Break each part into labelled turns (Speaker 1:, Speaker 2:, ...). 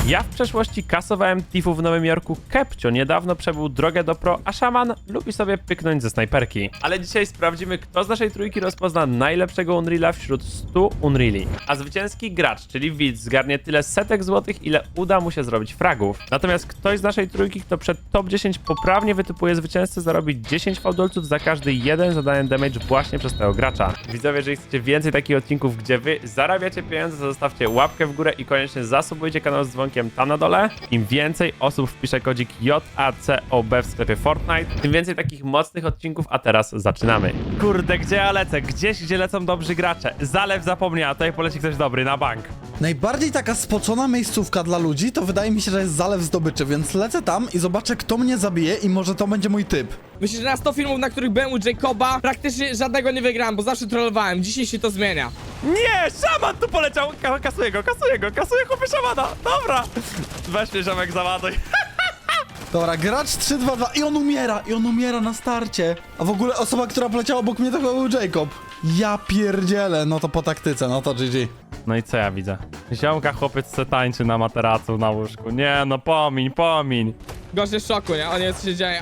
Speaker 1: Ja w przeszłości kasowałem tifów w Nowym Jorku. Kepcio niedawno przebył drogę do pro, a szaman lubi sobie pyknąć ze snajperki. Ale dzisiaj sprawdzimy, kto z naszej trójki rozpozna najlepszego Unreala wśród 100 Unreali. A zwycięski gracz, czyli widz, zgarnie tyle setek złotych, ile uda mu się zrobić fragów. Natomiast ktoś z naszej trójki, kto przed top 10 poprawnie wytypuje zwycięzcę, zarobi 10 fałdolców za każdy jeden zadany damage właśnie przez tego gracza. Widzowie, jeżeli chcecie więcej takich odcinków, gdzie wy zarabiacie pieniądze, to zostawcie łapkę w górę i koniecznie zasubujcie kanał z dzwonkiem tam na dole. Im więcej osób wpisze kodzik JACOB w sklepie Fortnite, tym więcej takich mocnych odcinków, a teraz zaczynamy. Kurde, gdzie ja lecę? Gdzieś, gdzie lecą dobrzy gracze. Zalew zapomniała, tutaj poleci ktoś dobry, na bank.
Speaker 2: Najbardziej taka spocona miejscówka dla ludzi to wydaje mi się, że jest Zalew Zdobyczy, więc lecę tam i zobaczę, kto mnie zabije i może to będzie mój typ.
Speaker 3: Myślę, że na 100 filmów, na których byłem u Jacoba, praktycznie żadnego nie wygrałem, bo zawsze trollowałem. Dzisiaj się to zmienia.
Speaker 1: Nie, szaman tu poleciał! Kasuję go, chłopie szamana! Dobra! Weź mnie, ziomek, załaduj.
Speaker 2: Dobra, gracz 3-2-2 i on umiera na starcie. A w ogóle osoba, która poleciała obok mnie, to chyba był Jacob. Ja pierdzielę, no to po taktyce, no to GG.
Speaker 1: No i co ja widzę? Ziomka chłopiec se tańczy na materacu na łóżku. Nie no, pomiń.
Speaker 3: Gość jest w szoku, nie? On nie wie, co się dzieje,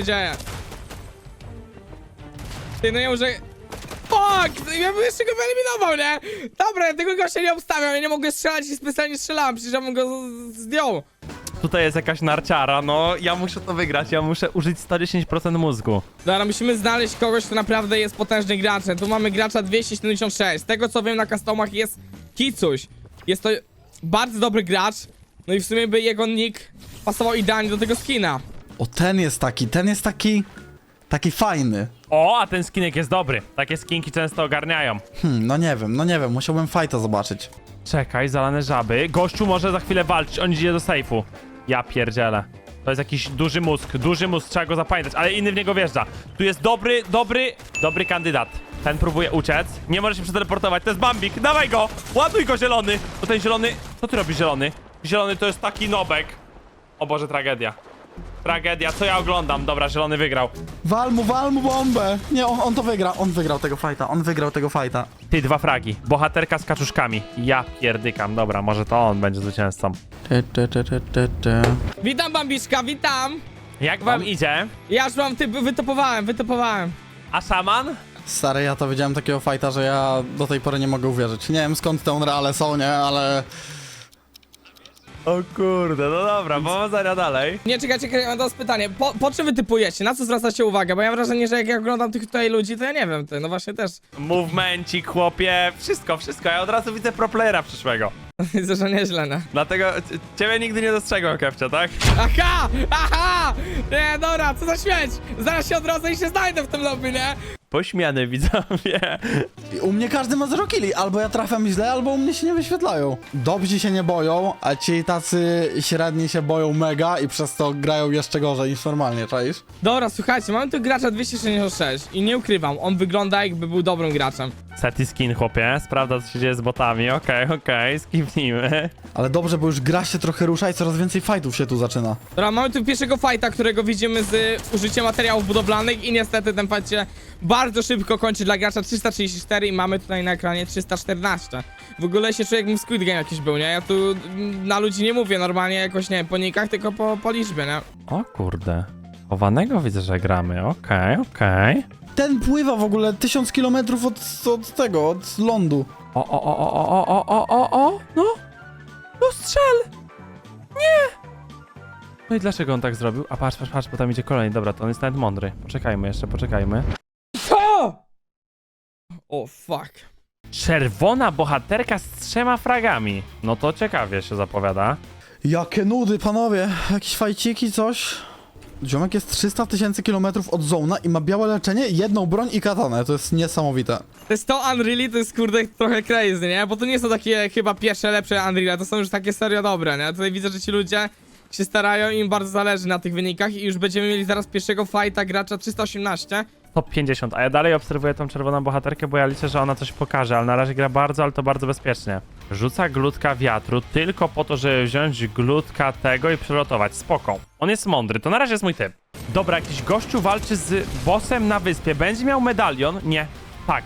Speaker 3: Ty, no nie może... Fuck! Ja bym jeszcze go wyeliminował, nie? Dobra, ja tego gościa nie obstawiam, ja nie mogę strzelać i specjalnie strzelałem, przecież ja bym go zdjął.
Speaker 1: Tutaj jest jakaś narciara, no ja muszę to wygrać, ja muszę użyć 110% mózgu.
Speaker 3: Dobra, musimy znaleźć kogoś, kto naprawdę jest potężnym graczem. Tu mamy gracza 276. Z tego co wiem, na customach jest Kicuś. Jest to bardzo dobry gracz. No i w sumie by jego nick pasował idealnie do tego skina.
Speaker 2: O, ten jest taki fajny.
Speaker 1: O, a ten skinek jest dobry. Takie skinki często ogarniają.
Speaker 2: No nie wiem, musiałbym fajta zobaczyć.
Speaker 1: Czekaj, zalane żaby. Gościu może za chwilę walczyć, on idzie do sejfu. Ja pierdzielę. To jest jakiś duży mózg, trzeba go zapamiętać, ale inny w niego wjeżdża. Tu jest dobry kandydat. Ten próbuje uciec, nie może się przeteleportować, to jest Bambik, dawaj go! Ładuj go, zielony! To ten zielony... Co ty robisz, zielony? Zielony to jest taki nobek. O Boże, tragedia. Tragedia, co ja oglądam? Dobra, zielony wygrał.
Speaker 2: Wal mu bombę! Nie, on to wygra, on wygrał tego fajta.
Speaker 1: Ty, 2 fragi. Bohaterka z kaczuszkami. Ja pierdykam, dobra, może to on będzie zwycięzcą.
Speaker 3: Witam, Bambiszka, witam!
Speaker 1: Jak wam idzie?
Speaker 3: Ja już mam typ, wytopowałem.
Speaker 1: A szaman?
Speaker 2: Stary, ja to widziałem takiego fajta, że ja do tej pory nie mogę uwierzyć. Nie wiem skąd te Unreale są, nie, ale...
Speaker 1: O kurde, no dobra, powodzenia dalej.
Speaker 3: Nie, czekaj, mam teraz pytanie. Po czym wy typujecie? Na co zwracacie uwagę? Bo ja mam wrażenie, że jak ja oglądam tych tutaj ludzi, to ja nie wiem, ty, no właśnie też.
Speaker 1: Movemencik, chłopie, wszystko. Ja od razu widzę pro playera przyszłego.
Speaker 3: Widzę, że nieźle, no.
Speaker 1: Dlatego ciebie nigdy nie dostrzegłem, Kepcio, tak?
Speaker 3: Aha! Nie, dobra, co za śmieć! Zaraz się odrodzę i się znajdę w tym lobby, nie?
Speaker 1: Pośmiany, widzowie.
Speaker 2: I u mnie każdy ma 0 killi, albo ja trafiam źle, albo u mnie się nie wyświetlają. Dobrzy się nie boją, a ci tacy średni się boją mega i przez to grają jeszcze gorzej niż normalnie, czaisz?
Speaker 3: Dobra, słuchajcie, mamy tu gracza 266 i nie ukrywam, on wygląda jakby był dobrym graczem.
Speaker 1: Seti skin, chłopie, sprawdza co się dzieje z botami, okej, skipnijmy.
Speaker 2: Ale dobrze, bo już gra się trochę rusza i coraz więcej fightów się tu zaczyna.
Speaker 3: Dobra, mamy tu pierwszego fighta, którego widzimy z użyciem materiałów budowlanych i niestety ten fight się bardzo szybko kończy dla gracza 334 i mamy tutaj na ekranie 314. W ogóle się czuję, jakbym Squid Game jakiś był, nie? Ja tu na ludzi nie mówię normalnie jakoś, nie wiem, po nikach, tylko po liczbie, nie?
Speaker 1: O kurde, chowanego widzę, że gramy, okej.
Speaker 2: Ten pływa w ogóle 1000 km od lądu.
Speaker 1: No strzel! Nie! No i dlaczego on tak zrobił? A patrz, bo tam idzie kolejny. Dobra, to on jest nawet mądry. Poczekajmy.
Speaker 3: Co? O, fuck.
Speaker 1: Czerwona bohaterka z 3 fragami. No to ciekawie się zapowiada.
Speaker 2: Jakie nudy, panowie. Jakieś fajciki, coś? Ziomek jest 300 000 km od zona i ma białe leczenie, jedną broń i katanę. To jest niesamowite.
Speaker 3: To jest to Unreal, to jest kurde trochę crazy, nie? Bo to nie są takie chyba pierwsze, lepsze Unreal, to są już takie serio dobre, nie? Tutaj widzę, że ci ludzie się starają i im bardzo zależy na tych wynikach i już będziemy mieli zaraz pierwszego fighta gracza 318.
Speaker 1: Top 50, a ja dalej obserwuję tą czerwoną bohaterkę, bo ja liczę, że ona coś pokaże, ale na razie gra bardzo, ale to bardzo bezpiecznie. Rzuca glutka wiatru tylko po to, żeby wziąć glutka tego i przelotować. Spoko. On jest mądry, to na razie jest mój typ. Dobra, jakiś gościu walczy z bossem na wyspie. Będzie miał medalion? Nie. Tak.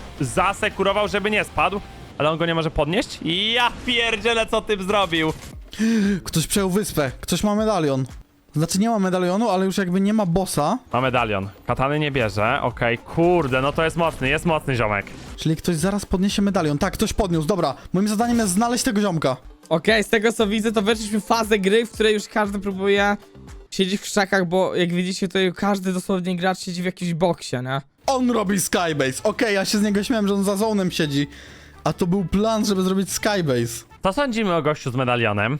Speaker 1: Zasekurował, żeby nie spadł, ale on go nie może podnieść? Ja pierdzielę, co typ zrobił.
Speaker 2: Ktoś przejął wyspę, ktoś ma medalion. Znaczy nie ma medalionu, ale już jakby nie ma bossa,
Speaker 1: Ma medalion. Katany nie bierze, okej. Kurde, no to jest mocny ziomek.
Speaker 2: czyli ktoś zaraz podniesie medalion. Tak, ktoś podniósł, dobra. Moim zadaniem jest znaleźć tego ziomka.
Speaker 3: Okej, z tego co widzę, to weszliśmy w fazę gry, w której już każdy próbuje siedzieć w krzakach, bo jak widzicie, to każdy dosłownie gracz siedzi w jakimś boksie, nie?
Speaker 2: On robi skybase. Okej, ja się z niego śmiałem, że on za zonem siedzi. A to był plan, żeby zrobić skybase.
Speaker 1: Co sądzimy o gościu z medalionem?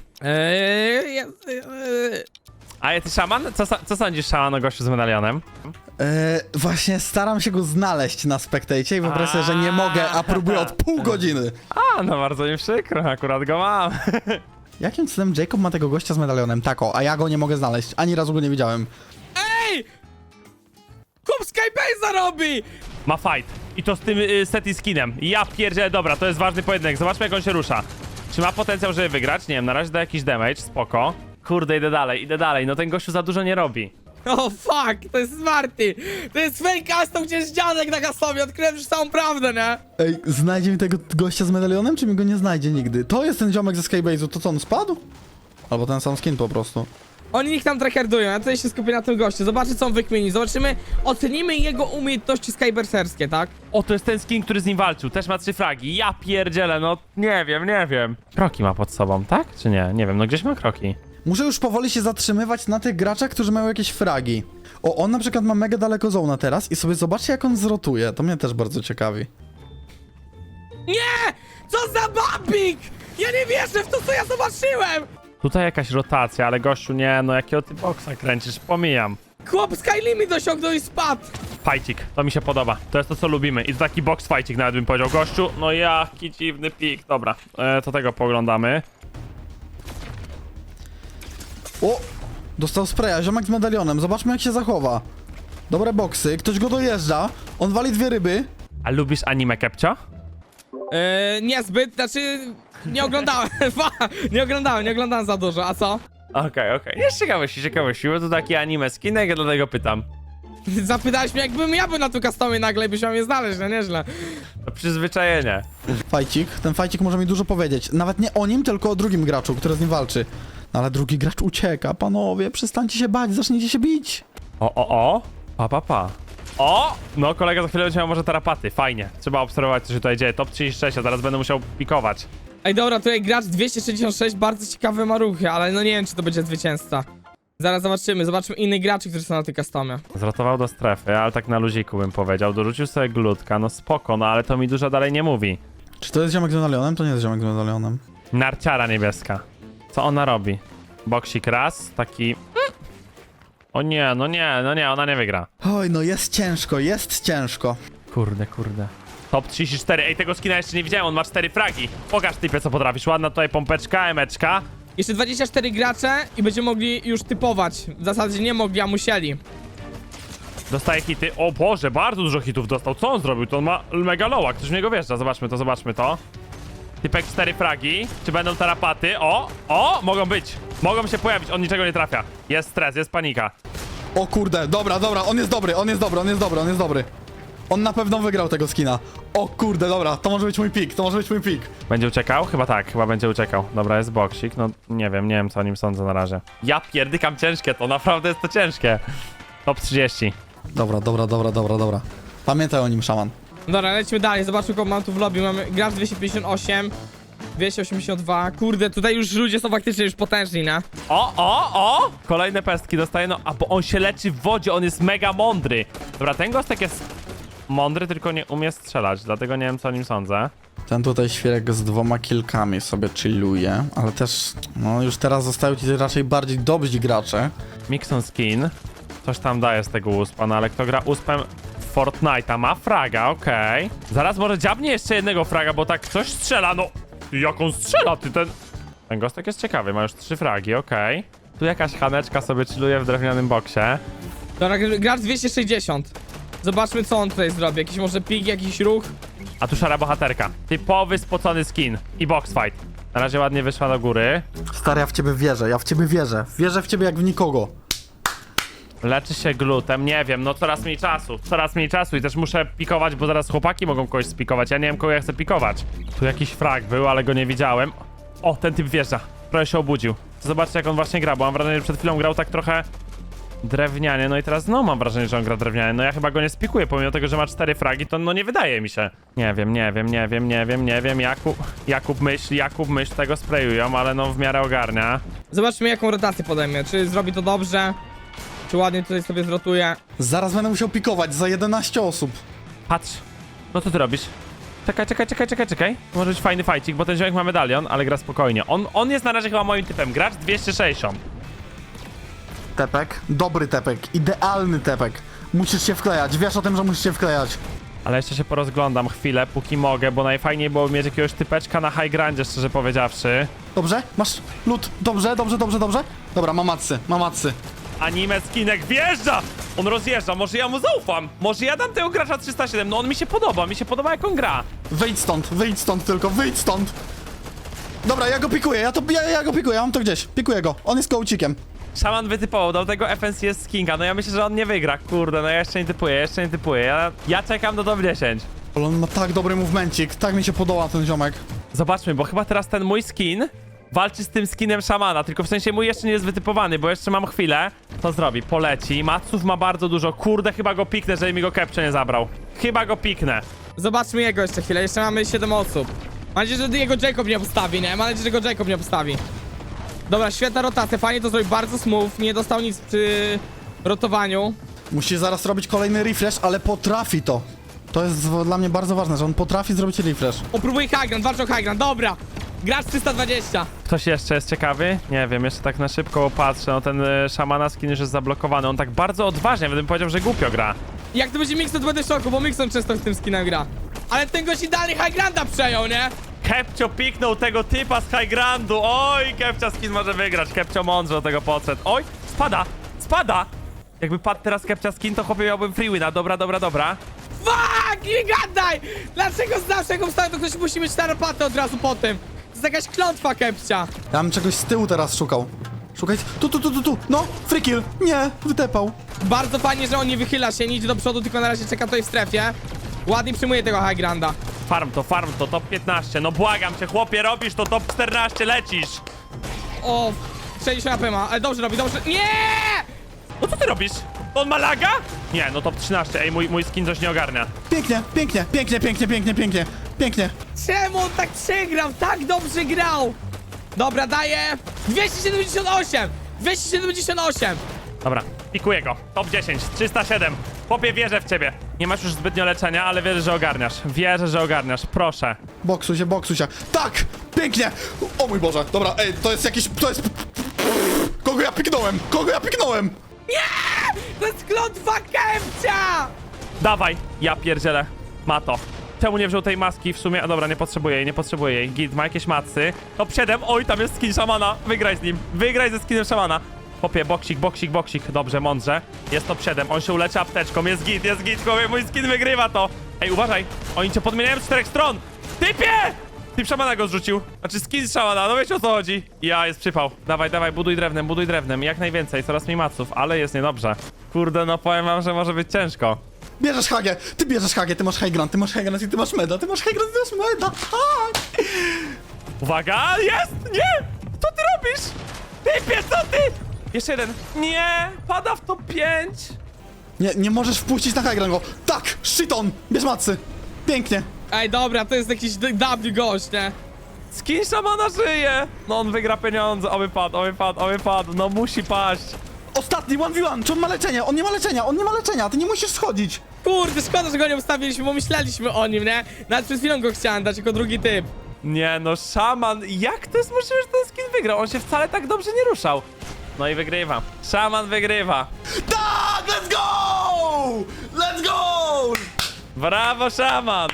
Speaker 1: A ty szaman? Co sądzisz, szaman, o gościu z medalionem?
Speaker 2: Właśnie staram się go znaleźć na Spectacie i wyobraź sobie, że nie mogę, a próbuję od pół godziny.
Speaker 1: A, no bardzo mi przykro, akurat go mam.
Speaker 2: Jakim cudem Jacob ma tego gościa z medalionem? Tako, a ja go nie mogę znaleźć. Ani razu go nie widziałem.
Speaker 3: Ej! Kup Skybase'a robi!
Speaker 1: Ma fight. I to z tym Seti skinem. Ja pierdzielę, dobra, to jest ważny pojedynek. Zobaczmy, jak on się rusza. Czy ma potencjał, żeby wygrać? Nie wiem, na razie da jakiś damage, spoko. Kurde, idę dalej. No ten gościu za dużo nie robi.
Speaker 3: O fuck, to jest Smarty! To jest fake custom, gdzie jest dziadek na customie, odkryłem już całą prawdę, nie?
Speaker 2: Ej, znajdzie mi tego gościa z medalionem, czy mi go nie znajdzie nigdy? To jest ten ziomek ze Skybase'u, to co, on spadł? Albo ten sam skin po prostu.
Speaker 3: Oni ich tam trackerdują, ja tutaj się skupię na tym gościu, zobaczę co on wykmieni, zobaczymy, ocenimy jego umiejętności skyberserskie, tak?
Speaker 1: O, to jest ten skin, który z nim walczył. Też ma 3 fragi. Ja pierdzielę, no nie wiem. Kroki ma pod sobą, tak? Czy nie? Nie wiem, no gdzieś ma kroki.
Speaker 2: Muszę już powoli się zatrzymywać na tych graczach, którzy mają jakieś fragi. O, on na przykład ma mega daleko zona teraz i sobie zobaczcie, jak on zrotuje. To mnie też bardzo ciekawi.
Speaker 3: Nie! Co za babik! Ja nie wierzę w to, co ja zobaczyłem!
Speaker 1: Tutaj jakaś rotacja, ale gościu nie, no jakiego ty boksa kręcisz, pomijam.
Speaker 3: Chłop Sky Limit osiągnął i spadł!
Speaker 1: Fajcik, to mi się podoba. To jest to, co lubimy. I to taki box fajcik nawet bym powiedział. Gościu, no jaki dziwny pik. Dobra, to tego poglądamy.
Speaker 2: O! Dostał spraya, ziomek z medalionem. Zobaczmy, jak się zachowa. Dobre boksy, ktoś go dojeżdża. On wali 2 ryby.
Speaker 1: A lubisz anime, Kepcio?
Speaker 3: Niezbyt, znaczy... Nie oglądałem, nie oglądałem za dużo, a co?
Speaker 1: Okej. Jest ciekawości, bo to taki anime skinek, ja dlatego pytam.
Speaker 3: Zapytałeś mnie, jakbym ja był na tu customie nagle i byś miał mnie znaleźć, no nieźle.
Speaker 1: To przyzwyczajenie.
Speaker 2: Fajcik. Ten fajcik może mi dużo powiedzieć. Nawet nie o nim, tylko o drugim graczu, który z nim walczy. No ale drugi gracz ucieka, panowie. Przestańcie się bać, zacznijcie się bić.
Speaker 1: O. Pa. O! No, kolega za chwilę będzie miał może tarapaty. Fajnie. Trzeba obserwować, co się tutaj dzieje. Top 36, a zaraz będę musiał pikować.
Speaker 3: Ej dobra, tutaj gracz 266, bardzo ciekawe ma ruchy, ale no nie wiem, czy to będzie zwycięzca. Zaraz zobaczymy innych graczy, którzy są na tej customie.
Speaker 1: Zrotował do strefy, ale tak na luziku bym powiedział. Dorzucił sobie glutka, no spoko, no ale to mi dużo dalej nie mówi.
Speaker 2: Czy to jest ziomek z medalionem? To nie jest ziomek z medalionem.
Speaker 1: Narciara niebieska. Co ona robi? Boksik raz, taki... O nie, no nie, ona nie wygra.
Speaker 2: Oj, no jest ciężko.
Speaker 1: Kurde. Top 34, ej, tego skina jeszcze nie widziałem, on ma 4 fragi. Pokaż typie, co potrafisz. Ładna tutaj pompeczka, emeczka.
Speaker 3: Jeszcze 24 gracze i będziemy mogli już typować. W zasadzie nie mogli, a musieli.
Speaker 1: Dostaje hity. O Boże, bardzo dużo hitów dostał. Co on zrobił? To on ma mega loła. Ktoś w niego wjeżdża. Zobaczmy to. Typek 4 fragi. Czy będą tarapaty? O, mogą być. Mogą się pojawić, on niczego nie trafia. Jest stres, jest panika.
Speaker 2: O kurde, dobra, on jest dobry. On na pewno wygrał tego skina. O kurde, dobra, to może być mój pik.
Speaker 1: Będzie uciekał? Chyba tak, będzie uciekał. Dobra, jest boksik, no nie wiem co o nim sądzę na razie. Ja pierdykam ciężkie to, naprawdę jest to ciężkie. Top 30.
Speaker 2: Dobra. Pamiętaj o nim, szaman.
Speaker 3: Dobra, lecimy dalej, zobaczmy kogo mam tu w lobby. Mamy gracz 258, 282. Kurde, tutaj już ludzie są faktycznie już potężni, nie?
Speaker 1: O! Kolejne pestki dostaje, no, a bo on się leczy w wodzie, on jest mega mądry. Dobra, ten gostek jest mądry, tylko nie umie strzelać, dlatego nie wiem, co o nim sądzę.
Speaker 2: Ten tutaj świerek z 2 kilkami sobie chilluje, ale też, no już teraz zostają ci raczej bardziej dobrzy gracze.
Speaker 1: Mixon skin. Coś tam daje z tego uspa, no ale kto gra uspem w Fortnite'a ma fraga, okej. Zaraz może dziabnie jeszcze jednego fraga, bo tak coś strzela, no. Jak on strzela, ty ten... Ten gostek jest ciekawy, ma już 3 fragi, okej. Tu jakaś chaneczka sobie chilluje w drewnianym boksie.
Speaker 3: Dobra, gracz 260. Zobaczmy co on tutaj zrobi, jakiś może pik, jakiś ruch.
Speaker 1: A tu szara bohaterka. Typowy spocony skin i box fight. Na razie ładnie wyszła do góry.
Speaker 2: Stary, ja w ciebie wierzę. Wierzę w ciebie jak w nikogo.
Speaker 1: Leczy się glutem, nie wiem, no coraz mniej czasu i też muszę pikować, bo zaraz chłopaki mogą kogoś spikować, ja nie wiem kogo ja chcę pikować. Tu jakiś frag był, ale go nie widziałem. O, ten typ wjeżdża. Trochę się obudził. Zobaczcie, jak on właśnie gra, bo mam wrażenie, że przed chwilą grał tak trochę drewnianie, no i teraz znowu mam wrażenie, że on gra drewnianie. No ja chyba go nie spikuję, pomimo tego, że ma 4 fragi, to no nie wydaje mi się. Nie wiem. Jakub myśl, tego sprayują, ale no w miarę ogarnia.
Speaker 3: Zobaczmy, jaką rotację podejmie. Czy zrobi to dobrze? Czy ładnie tutaj sobie zrotuje?
Speaker 2: Zaraz będę musiał pikować za 11 osób.
Speaker 1: Patrz, no co ty robisz? Czekaj. Może być fajny fajcik, bo ten ziomek ma medalion, ale gra spokojnie. On jest na razie chyba moim typem. Gracz 260.
Speaker 2: Tepek, dobry tepek, idealny tepek. Musisz się wklejać, wiesz o tym, że musisz się wklejać.
Speaker 1: Ale jeszcze się porozglądam chwilę, póki mogę, bo najfajniej było mieć jakiegoś typeczka na high grandzie, szczerze powiedziawszy.
Speaker 2: Dobrze? Masz lód? Dobrze. Dobra, mam matsy.
Speaker 1: Anime skinek wjeżdża! On rozjeżdża, może ja mu zaufam? Może ja dam tego gracza 307? No on mi się podoba jak on gra.
Speaker 2: Wyjdź stąd tylko, wyjdź stąd. Dobra, ja go pikuję, ja go pikuję, ja mam to gdzieś. Pikuję go, on jest kołcikiem.
Speaker 1: Szaman wytypował, do tego FNCS skinka, no ja myślę, że on nie wygra, kurde, no ja jeszcze nie typuję, ja czekam do top 10.
Speaker 2: Ale on ma tak dobry movemencik, tak mi się podoba ten ziomek.
Speaker 1: Zobaczmy, bo chyba teraz ten mój skin walczy z tym skinem szamana, tylko w sensie mój jeszcze nie jest wytypowany, bo jeszcze mam chwilę. To zrobi, poleci, maców ma bardzo dużo, kurde, chyba go piknę, żeby mi go Kepcio nie zabrał. Chyba go piknę.
Speaker 3: Zobaczmy jego jeszcze chwilę, jeszcze mamy 7 osób. Mam nadzieję, że jego Jacob nie postawi, nie? Mam nadzieję, że go Jacob nie postawi. Dobra, świetna rotacja, fajnie to zrobił, bardzo smooth, nie dostał nic przy rotowaniu.
Speaker 2: Musi zaraz robić kolejny refresh, ale potrafi to. To jest dla mnie bardzo ważne, że on potrafi zrobić refresh.
Speaker 3: O, próbuje high ground, walczy o high ground, dobra. Gracz 320.
Speaker 1: Ktoś jeszcze jest ciekawy? Nie wiem, jeszcze tak na szybko patrzę, no ten szamana skin już jest zablokowany, on tak bardzo odważnie, bym powiedział, że głupio gra.
Speaker 3: Jak to będzie Mixon, to będę w szoku, bo Mixon często w tym skinem gra. Ale ten gość idealnie high grounda przejął, nie?
Speaker 1: Kepcio piknął tego typa z high grandu. Oj, Kepcio skin może wygrać. Kepcio mądrze do tego podszedł. Oj, spada. Jakby padł teraz Kepcio skin, to chłopie miałbym free wina. Dobra.
Speaker 3: Fuck, nie gadaj! Dlaczego zawsze jak obstawia, to ktoś musi mieć tarapaty od razu po tym? To jest jakaś klątwa Kepcia.
Speaker 2: Ja bym czegoś z tyłu teraz szukał. Szukaj, tu, no, free kill, nie, wytepał.
Speaker 3: Bardzo fajnie, że on nie wychyla się, nie idzie do przodu, tylko na razie czeka tutaj w strefie. Ładnie przyjmuje tego high grounda.
Speaker 1: Farm to, top 15. No błagam cię, chłopie, robisz to, top 14, lecisz.
Speaker 3: O, 60 AP ma, ale dobrze robi, dobrze. Nie!
Speaker 1: No co ty robisz? On ma laga? Nie, no top 13. Ej, mój skin coś nie ogarnia.
Speaker 2: Pięknie.
Speaker 3: Czemu on tak przegrał? Tak dobrze grał! Dobra, daję 278! 278!
Speaker 1: Dobra, pikuję go. Top 10, 307. Chłopie, wierzę w ciebie. Nie masz już zbytnio leczenia, ale wierzę, że ogarniasz. Proszę.
Speaker 2: Boksuj się. Tak, pięknie. O mój Boże, dobra, ej, to jest... Kogo ja piknąłem?
Speaker 3: To jest klątwa Kepcia!
Speaker 1: Dawaj, ja pierdzielę. Ma to. Czemu nie wziął tej maski w sumie? A dobra, nie potrzebuję jej. Git, ma jakieś macy. Top 7, oj, tam jest skin szamana. Wygraj z nim. Wygraj ze skinem szamana. Chłopie, boksik. Dobrze, mądrze. Jest top 7, on się uleczy apteczką. Jest git, chłopie, mój skin wygrywa to. Ej, uważaj, oni cię podmieniają z 4 stron. Typie! Typ szamana go zrzucił. Znaczy skin z szamana, no wiecie o co chodzi. Ja, jest przypał. Dawaj, buduj drewnem. Jak najwięcej, coraz mniej maców, ale jest niedobrze. Kurde, no powiem wam, że może być ciężko.
Speaker 2: Bierzesz Hagę, ty masz high ground i ty masz meda, tak!
Speaker 1: Uwaga, jest! Nie! Co ty robisz? Typie, co ty? Jeszcze jeden. Nie! Pada w top 5!
Speaker 2: Nie możesz wpuścić na high ground go. Tak, shit on, bierz macy. Pięknie.
Speaker 3: Ej, dobra, to jest jakiś W gość, nie?
Speaker 1: Skin szamana żyje! No on wygra pieniądze, oby padł, no musi paść.
Speaker 2: Ostatni 1v1, czy on ma leczenie? On nie ma leczenia, ty nie musisz schodzić.
Speaker 3: Kurde, szkoda, że go nie ustawiliśmy, bo myśleliśmy o nim, nie? Nawet przed chwilą go chciałem dać jako drugi typ.
Speaker 1: Nie no, szaman, jak to jest możliwe, że ten skin wygrał? On się wcale tak dobrze nie ruszał. No i wygrywa. Szaman wygrywa.
Speaker 2: Tak, let's go!
Speaker 1: Brawo, szaman!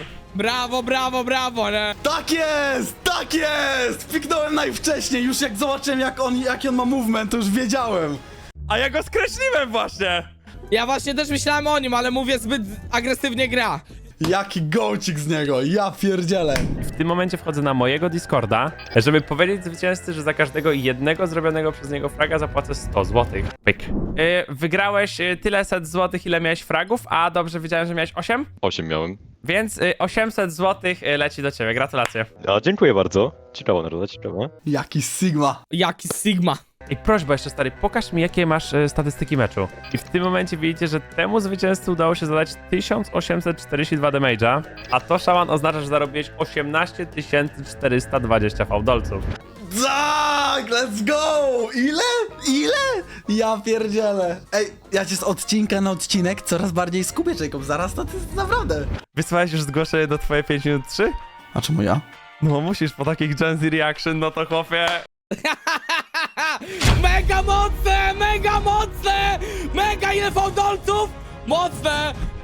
Speaker 3: Brawo, nie?
Speaker 2: Tak jest! Piknąłem najwcześniej, już jak zobaczyłem jaki on ma movement, to już wiedziałem.
Speaker 1: A ja go skreśliłem właśnie!
Speaker 3: Ja właśnie też myślałem o nim, ale mówię, zbyt agresywnie gra.
Speaker 2: Jaki gołcik z niego, ja pierdzielę.
Speaker 1: W tym momencie wchodzę na mojego Discorda, żeby powiedzieć zwycięzcy, że za każdego jednego zrobionego przez niego fraga zapłacę 100 zł. Pyk. Wygrałeś tyle set złotych, ile miałeś fragów, a dobrze wiedziałem, że miałeś 8?
Speaker 4: 8 miałem.
Speaker 1: Więc 800 zł leci do ciebie, gratulacje.
Speaker 4: No, dziękuję bardzo. Ciekawa naroda, ciekawa.
Speaker 2: Jaki Sigma.
Speaker 3: Jaki Sigma.
Speaker 1: I prośba jeszcze, stary, pokaż mi, jakie masz statystyki meczu. I w tym momencie widzicie, że temu zwycięzcy udało się zadać 1842 damage'a, a to, Szaman, oznacza, że zarobiłeś 18 420 fałdolców.
Speaker 2: Tak, let's go! Ile? Ja pierdzielę. Ej, ja cię z odcinka na odcinek coraz bardziej skupię, Jacob. Zaraz to jest naprawdę.
Speaker 1: Wysłałeś już zgłoszenie do twoje 5 minut 3?
Speaker 2: A czemu ja?
Speaker 1: No musisz, po takich Gen Z reaction, no to chłopie...
Speaker 3: Mega mocne! Mega mocne! Mega ile fałdolców! Mocne!